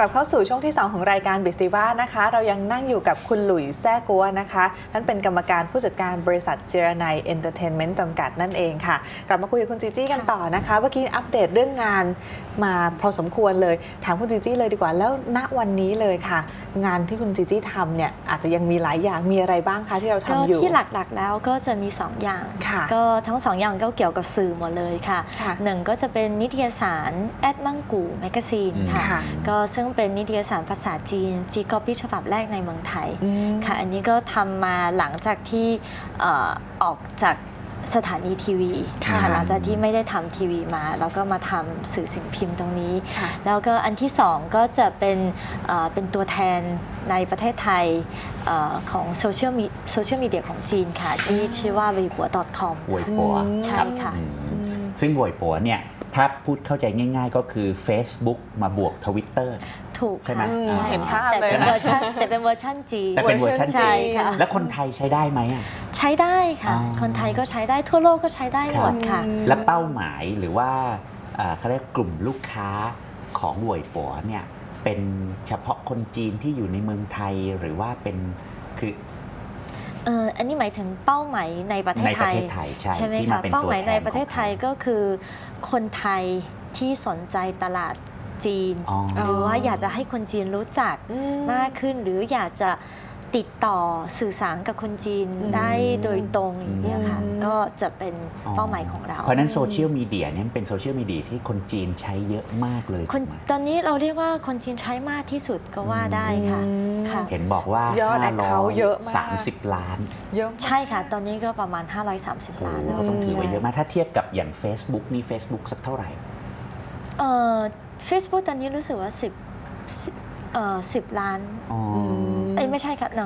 ลับเข้าสู่ช่วงที่2ของรายการบิสติว่านะคะเรายังนั่งอยู่กับคุณหลุยส์แซ่กัวนะคะท่านเป็นกรรมการผู้จัดการบริษัทเจรนัยเอนเตอร์เทนเมนต์จำกัดนั่นเองค่ะกลับมาคุยกับคุณจีจี้กันต่อนะคะเมื่อกี้อัปเดตเรื่องงานมาพอสมควรเลยถามคุณจีจี้เลยดีกว่าแล้วณวันนี้เลยค่ะงานที่คุณจีจี้ทำเนี่ยอาจจะยังมีหลายอย่างมีอะไรบ้างคะที่เราทำอยู่ที่หลักๆแล้วก็จะมี2อย่างก็ทั้ง2อย่างก็เกี่ยวกับสื่อหมดเลยค่ะหนึ่งก็จะเป็นนิตยสารแอดมังกูแมกกาซีนค่ะก็ซึ่งเป็นนิตยสารภาษาจีนฟรีคอปี้ฉบับแรกในเมืองไทยค่ะอันนี้ก็ทำมาหลังจากที่ออกจากสถานีทีวีค่ะหลังจากที่ไม่ได้ทำทีวีมาแล้วก็มาทำสื่อสิ่งพิมพ์ตรงนี้แล้วก็อันที่2ก็จะเป็นตัวแทนในประเทศไทยของโซเชียลมีเดียของจีนค่ะที่ชื่อว่า weibo.com เว่ยปัวใช่ค่ะซึ่งเว่ยปัวเนี่ยถ้าพูดเข้าใจง่ายๆก็คือ Facebook มาบวก Twitter ถูกใช่ไหมเห็นภาพเลยแต่เป็นเวอร์ชันจีนแต่เป็นเวอร์ชันจีน แล้วคนไทยใช้ได้ไหมใช้ได้ค่ะคนไทยก็ใช้ได้ทั่วโลกก็ใช้ได้หมดค่ะและเป้าหมายหรือว่าเขาเรียกกลุ่มลูกค้าของเว่ยปัวเนี่ยเป็นเฉพาะคนจีนที่อยู่ในเมืองไทยหรือว่าเป็นคืออันนี้หมายถึงเป้าหมายในประเทศไทยใช่ไหมคะเป้าหมายในประเทศไทยก็คือคนไทยที่สนใจตลาดจีนหรือว่าอยากจะให้คนจีนรู้จักมากขึ้นหรืออยากจะติดต่อสื่อสารกับคนจีนได้โดยตรงอย่างนี้ค่ะก็จะเป็นเป้าหมายของเราเพราะนั้นโซเชียลมีเดียเนี่ยเป็นโซเชียลมีเดียที่คนจีนใช้เยอะมากเลยตอนนี้เราเรียกว่าคนจีนใช้มากที่สุดก็ว่าได้ค่ะเห็นบอกว่ายอดแอคเคาท์เยอะมาก 30 ล้านเยอะใช่ค่ะตอนนี้ก็ประมาณ530 ล้านแล้วต้องถือว่าเยอะมากถ้าเทียบกับอย่าง Facebook นี่ Facebook สักเท่าไหร่ Facebook ตอนนี้รู้สึกว่า10 ล้านไม่ใช่ค่ะ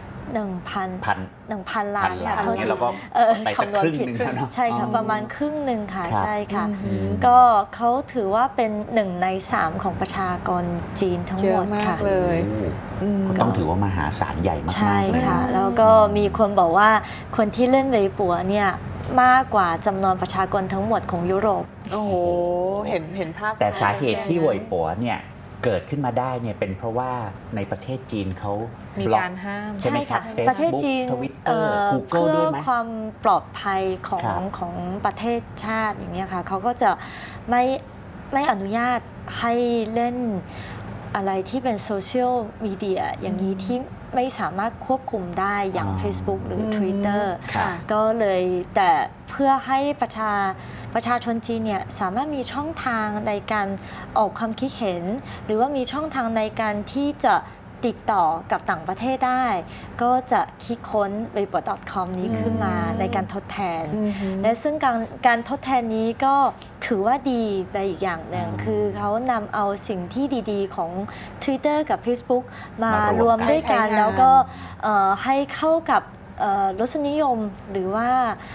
1,000 ล้านค่ะเท่าที่เราก็ไปสักครึ่งนึงแล้วเนาะใช่ค่ะประมาณครึ่งหนึ่งค่ะใช่ค่ะก็เขาถือว่าเป็น1 ใน 3ของประชากรจีนทั้งหมดค่ะเลยต้องถือว่ามหาศาลใหญ่มากๆใช่ค่ะแล้วก็มีคนบอกว่าคนที่เล่นเว่ยปัวเนี่ยมากกว่าจำนวนประชากรทั้งหมดของยุโรปโอ้โหเห็นภาพแต่สาเหตุที่เว่ยปัวเนี่ยเกิดขึ้นมาได้เนี่ยเป็นเพราะว่าในประเทศจีนเขามีการห้ามใช่ไหมครับประเทศจีน Twitter Google เพื่ด้อวยไหมความปลอดภัยของประเทศชาติอย่างนี้ค่ะเขาก็จะไม่อนุญาตให้เล่นอะไรที่เป็นโซเชียลมีเดียอย่างนี้ที่ไม่สามารถควบคุมได้อย่าง Facebook หรือ Twitter ก็เลยแต่เพื่อให้ประชาชนจีนเนี่ยสามารถมีช่องทางในการออกความคิดเห็นหรือว่ามีช่องทางในการที่จะติดต่อกับต่างประเทศได้ก็จะคิดค้น weibo.com นี้ขึ้นมาในการทดแทนและซึ่งการทดแทนนี้ก็ถือว่าดีไปอีกอย่างหนึ่งคือเขานำเอาสิ่งที่ดีๆของ Twitter กับ Facebook มารวมด้วยกันแล้วก็ให้เข้ากับรสนิยมหรือว่า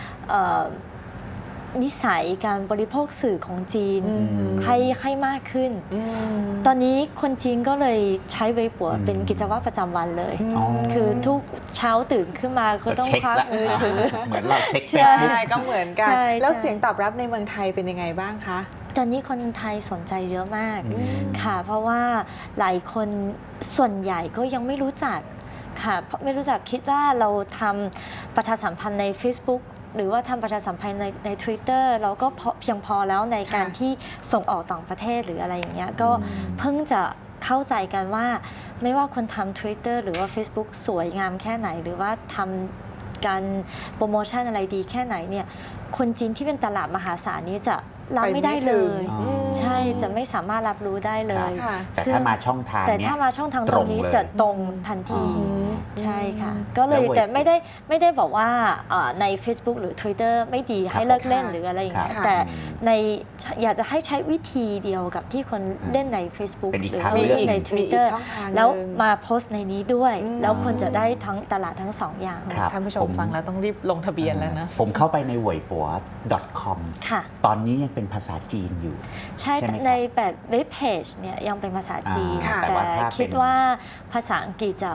นิสัยการบริโภคสื่อของจีนให้มากขึ้นตอนนี้คนจีนก็เลยใช้เว่ยปัวเป็นกิจวัตรประจำวันเลยคือทุกเช้าตื่นขึ้นมาก็ต้องควักมือถือเหมือนเราเช็คใช่ก็เหมือนกันแล้วเสียงตอบรับในเมืองไทยเป็นยังไงบ้างคะตอนนี้คนไทยสนใจเยอะมากค่ะเพราะว่าหลายคนส่วนใหญ่ก็ยังไม่รู้จักค่ะไม่รู้จักคิดว่าเราทำประชาสัมพันธ์ใน Facebookหรือว่าทำประชาสัมพันธ์ใน Twitter เราก็เพียงพอแล้วในการที่ส่งออกต่างประเทศหรืออะไรอย่างเงี้ยก็เพิ่งจะเข้าใจกันว่าไม่ว่าคนทำ Twitter หรือว่า Facebook สวยงามแค่ไหนหรือว่าทำการโปรโมชั่นอะไรดีแค่ไหนเนี่ยคนจีนที่เป็นตลาดมหาศาลนี้จะรับไม่ได้เลยใช่จะไม่สามารถรับรู้ได้เลยแต่ถ้ามาช่องทางตรงนี้จะตรงทันทีใช่ค่ะก็เลยแต่ไม่ได้บอกว่าใน Facebook หรือ Twitter ไม่ดีให้เลิกเล่นหรืออะไรอย่างเงี้ยแต่อยากจะให้ใช้วิธีเดียวกับที่คนเล่นใน Facebook หรือว่าเล่นใน Twitter แล้วมาโพสต์ในนี้ด้วยแล้วคนจะได้ทั้งตลาดทั้ง2อย่างท่านผู้ชมฟังแล้วต้องรีบลงทะเบียนแล้วนะผมเข้าไปในเว่ยปัว .com ตอนนี้ยังเป็นภาษาจีนอยู่ใช่ในแบบเว็บเพจเนี่ยยังเป็นภาษาจีนแต่คิดว่าภาษาอังกฤษจะ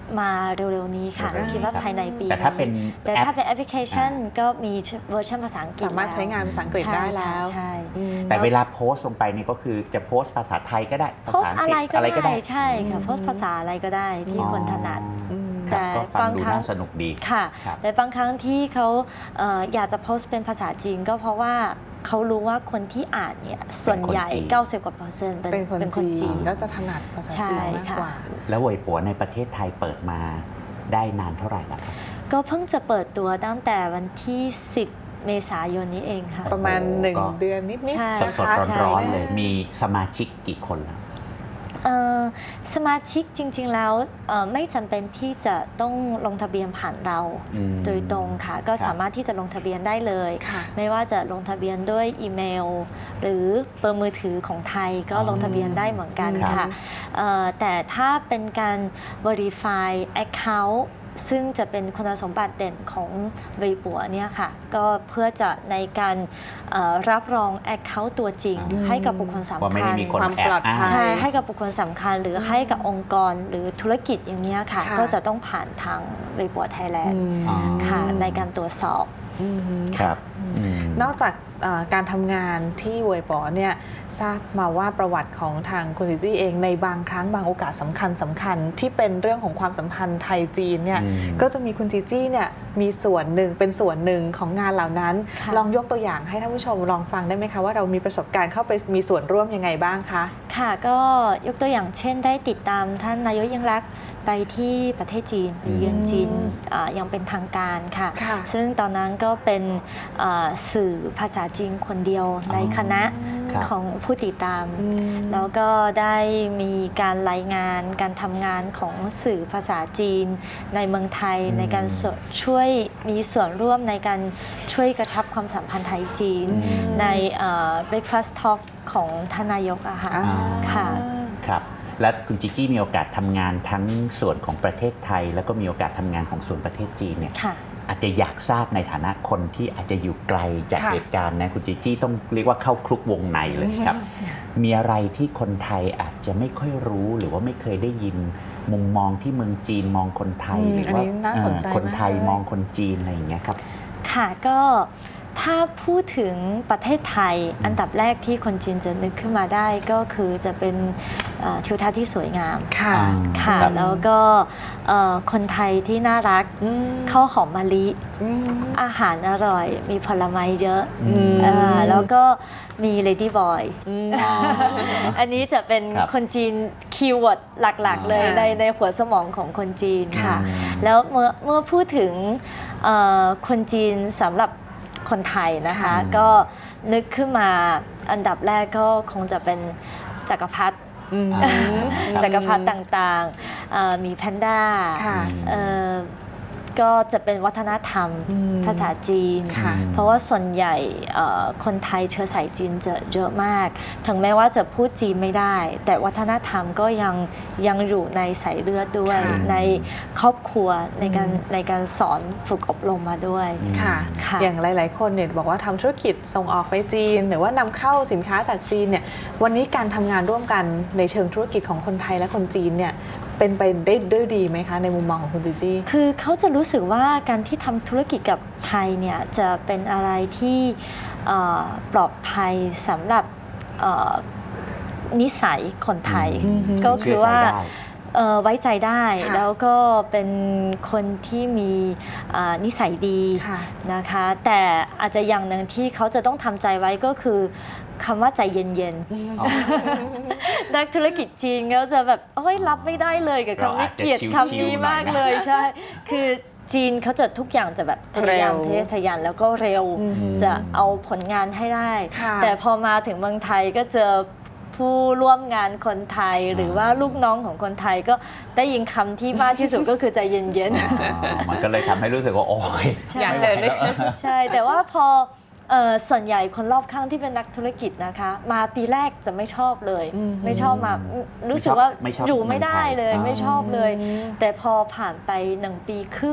มาเร็วๆนี้ค่ะเร็วๆนี้คิดว่าครับภายในปีแต่ถ้าเป็นแต่แอปถ้าเป็นแอปพลิเคชันก็มีเวอร์ชันภาษาอังกฤษสามารถใช้งานภาษาอังกฤษได้แล้วใช่อืมแต่เวลาโพสต์ลงไปนี่ก็คือจะโพสต์ภาษาไทยก็ได้ภาโพสษาต์อังอะกฤไรษก็ได้ใช่ค่ะโพสต์ภาษาอะไรก็ได้ที่คนถนัดอืมครับแต่ก็ฟังดูบางครั้งน่าสนุกดีค่ะครับแต่บางครั้งที่เขาอยากจะโพสต์เป็นภาษาจีนก็เพราะว่าเขารู้ว่าคนที่อ่านเนี่ยส่วนใหญ่ 90 กว่า% เป็นคนจีนแล้วจะถนัดภาษาจีนมากกว่าแล้วเหวยปัวในประเทศไทยเปิดมาได้นานเท่าไหร่แล้วครับก็เพิ่งจะเปิดตัวตั้งแต่วันที่ 10 เมษายนนี้เองค่ะประมาณโอ้โหก็ 1 เดือนนิดๆใช่นะคะสดๆร้อนๆเลย มีสมาชิกกี่คนแล้วสมาชิกจริงๆแล้วไม่จำเป็นที่จะต้องลงทะเบียนผ่านเราอืมโดยตรงค่ะ ก็ครับสามารถที่จะลงทะเบียนได้เลยค่ะไม่ว่าจะลงทะเบียนด้วยอีเมล หรือเบอร์มือถือของไทยก็ลงทะเบียนได้เหมือนกันครับค่ะแต่ถ้าเป็นการ verify account ซึ่งจะเป็นคุณสมบัติเด่นของเวยปัวเนี่ยค่ะ ก็เพื่อจะในการรับรอง account ตัวจริง ให้กับบุคคลสำว่าไม่คัได้ญมีคนความแอปบลอดภัอ้างยใช่ ให้กับบุคคลสำคัญหรือให้กับองค์กรหรือธุรกิจอย่างนี้ยค่ะค่ะก็จะต้องผ่านทางเวยปัวไทยแลนด์อ๋อค่ะในการตรวจสอบอืมครับอืมนอกจากการทำงานที่เวยป๋อเนี่ยทราบมาว่าประวัติของทางคุณซิจี้เองในบางครั้งบางโอกาสสำคัญที่เป็นเรื่องของความสัมพันธ์ไทยจีนเนี่ยอืมก็จะมีคุณจีจี้เนี่ยมีส่วนหนึ่งเป็นส่วนหนึ่งของงานเหล่านั้นค่ะลองยกตัวอย่างให้ท่านผู้ชมลองฟังได้ไหมคะว่าเรามีประสบการณ์เข้าไปมีส่วนร่วมยังไงบ้างคะค่ะก็ยกตัวอย่างเช่นได้ติดตามท่านนายกยิ่งลักษณ์ไปที่ประเทศจีนไปเยือนจีนอย่างเป็นทางการค่ะค่ะซึ่งตอนนั้นก็เป็นสื่อภาษาจีนคนเดียวในคณะครับของผู้ติดตามอืมแล้วก็ได้มีการรายงานการทำงานของสื่อภาษาจีนในเมืองไทยอืมในการช่วยมีส่วนร่วมในการช่วยกระชับความสัมพันธ์ไทยจีนอืมใน breakfast talk ของทานนายกอะค่ะอ่าค่ะครับ และคุณจิจี้มีโอกาสทำงานทั้งส่วนของประเทศไทย แล้วก็มีโอกาสทำงานของส่วนประเทศจีนเนี่ยค่ะอาจจะอยากทราบในฐานะคนที่อาจจะอยู่ไกลจากค่ะเหตุการณ์นะคุณจิจี้ต้องเรียกว่าเข้าคลุกวงในเลยครับ มีอะไรที่คนไทยอาจจะไม่ค่อยรู้หรือว่าไม่เคยได้ยินมุมมองที่เมืองจีนมองคนไทยอืมหรือว่าอันนี้น่าสนใจคนไทยมากเลยมองคนจีนอะไรอย่างเงี้ยครับค่ะก็ถ้าพูดถึงประเทศไทยอันดับแรกที่คนจีนจะนึกขึ้นมาได้ก็คือจะเป็นทิวทัศน์ที่สวยงามค่ะอ่าค่ะครับแล้วก็คนไทยที่น่ารักอืมข้าวหอมมะลิอืมอาหารอร่อย มีผลไม้เยอะอืมแล้วก็มีเลดี้บอยอืมอ๋ออันนี้จะเป็นครับคนจีนคีย์เวิร์ดหลักๆ เลยค่ะในหัวสมองของคนจีนค่ะอืมแล้วเมื่อพูดถึงคนจีนสำหรับคนไทยนะคะค่ะก็นึกขึ้นมาอันดับแรกก็คงจะเป็นจักรพรรดิอืมอ่าครับจักรพรรดิต่างๆมีแพนด้าค่ะก็จะเป็นวัฒนธรรมอืมภาษาจีนค่ะเพราะว่าส่วนใหญ่คนไทยเชื้อสายจีนจะเยอะมาก ถึงแม้ว่าจะพูดจีนไม่ได้ แต่วัฒนธรรมก็ยังอยู่ในสายเลือดด้วยค่ะในครอบครัวในการสอนฝึกอบรมมาด้วยค่ะค่ะอย่างหลาย ๆ คนเนี่ยบอกว่าทำธุรกิจส่งออกไปจีน หรือว่านำเข้าสินค้าจากจีนเนี่ยวันนี้การทำงานร่วมกันในเชิงธุรกิจของคนไทยและคนจีนเนี่ยเป็นไปได้ด้วยดีไหมคะในมุมมองของคุณจีจี้คือเขาจะรู้สึกว่าการที่ทำธุรกิจกับไทยเนี่ยจะเป็นอะไรที่ปลอดภัยสำหรับนิสัยคนไทยอืมก็คือว่าเชื่อใจได้ไว้ใจได้ค่ะแล้วก็เป็นคนที่มีนิสัยดีค่ะนะคะ แต่อาจจะอย่างหนึ่งที่เขาจะต้องทำใจไว้ก็คือคำว่าใจเย็นอ๋อๆ นักธุรกิจจีนก็จะแบบโอ้ยรับไม่ได้เลยกับเราคำนี้อาจจะเกลียดชิวๆคำนี้หน่อยนะมากเลยใช่ คือจีนเขาจะทุกอย่างจะแบบพยายามเร็วทะยานแล้วก็เร็วอืมจะเอาผลงานให้ได้ค่ะแต่พอมาถึงเมืองไทยก็เจอผู้ร่วมงานคนไทย หรือว่าลูกน้องของคนไทยก็ได้ยินคำที่มากที่สุดก็คือใจเย็นอ๋อมันก็เลยทำให้รู้สึกว่าโอ้ยใช่อยากเจอไม่ไหวแล้วๆ ใช่ แต่ว่าพอส่วนใหญ่คนรอบข้างที่เป็นนักธุรกิจนะคะ มาปีแรกจะไม่ชอบเลยอืมไม่ชอบมารู้สึกว่าไม่ชอบอยู่ไม่ได้เลยเมืองไทยไม่ชอบเลยอืมแต่พอผ่านไป1 ปีครึ่ง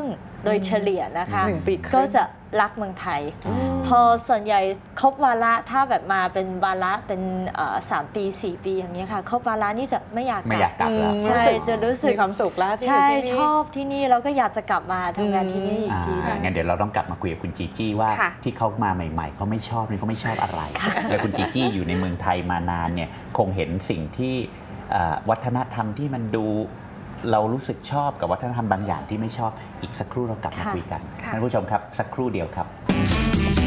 โดยเฉลี่ยนะคะ 1 ปีครึ่งก็จะรักเมืองไทย พอส่วนใหญ่ครบวาระถ้าแบบมาเป็นวาระเป็น3 ปี 4 ปีอย่างนี้ยค่ะครบวาระนี่จะไม่อยากไม่อยากกลับแล้วใช่จะรู้สึกมีความสุขแล้วที่อยู่ใช่ที่นี่ชอบที่นี่แล้วก็อยากจะกลับมาทำงานที่นี่อีกทีหนึงงั้นเดี๋ยวเราต้องกลับมาคุยกับคุณจีจี้ว่าค่ะที่เขามาใหม่ๆเขาไม่ชอบนี่เขาไม่ชอบอะไร แล้วคุณจีจี้อยู่ในเมืองไทยมานานเนี่ยคงเห็นสิ่งที่วัฒนธรรมที่มันดูเรารู้สึกชอบกับวัฒนธรรมบางอย่างที่ไม่ชอบอีกสักครู่เรากลับมาค่ะคุยกันค่ะท่านผู้ชมครับสักครู่เดียวครับ